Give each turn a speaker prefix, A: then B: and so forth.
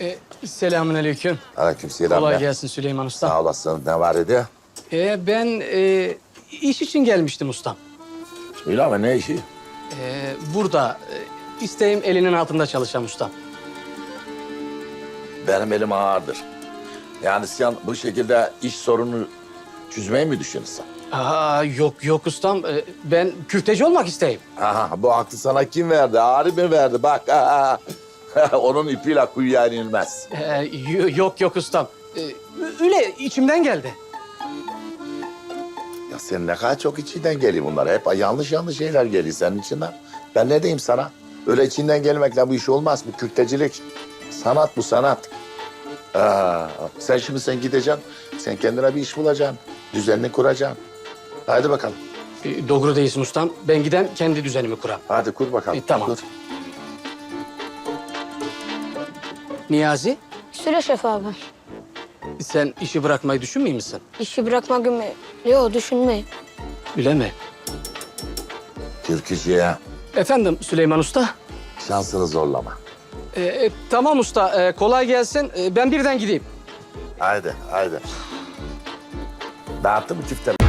A: Selamünaleyküm.
B: Aleykümselam.
A: Kolay gelsin Süleyman Usta.
B: Sağ olasın. Ne var idi?
A: Ben iş için gelmiştim ustam.
B: Söyle ama ne işi?
A: Burada isteğim elinin altında çalışan ustam.
B: Benim elim ağırdır. Yani sen bu şekilde iş sorunu çözmeyi mi düşünürsün?
A: Yok ustam. Ben küfteci olmak isteyim.
B: Aha, bu aklı sana kim verdi? Ağrı mı verdi? Bak. Onun ipiyle kuyuya inilmez.
A: Yok ustam. Öyle içimden geldi.
B: Ya sen ne kadar çok içinden geliyor bunlar. Hep yanlış şeyler geliyor senin içinden. Ben ne diyeyim sana? Öyle içinden gelmekle bu iş olmaz. Bu kürtecilik. Sanat bu sanat. Sen gideceksin. Sen kendine bir iş bulacaksın. Düzenini kuracaksın. Hadi bakalım.
A: Doğru değilsin ustam. Ben giden kendi düzenimi kuram.
B: Hadi kur bakalım.
A: Tamam.
B: Kur.
A: Niyazi,
C: Söyle Şef abi.
A: sen işi bırakmayı düşünmüyor musun?
C: İşi bırakmak mı? Yok düşünmeyin.
A: Öyle mi?
B: Türkücüye
A: Efendim Süleyman Usta.
B: şansını zorlama.
A: Tamam usta. Kolay gelsin. Ben birden gideyim.
B: Haydi. Dağıttı mı küfteleri?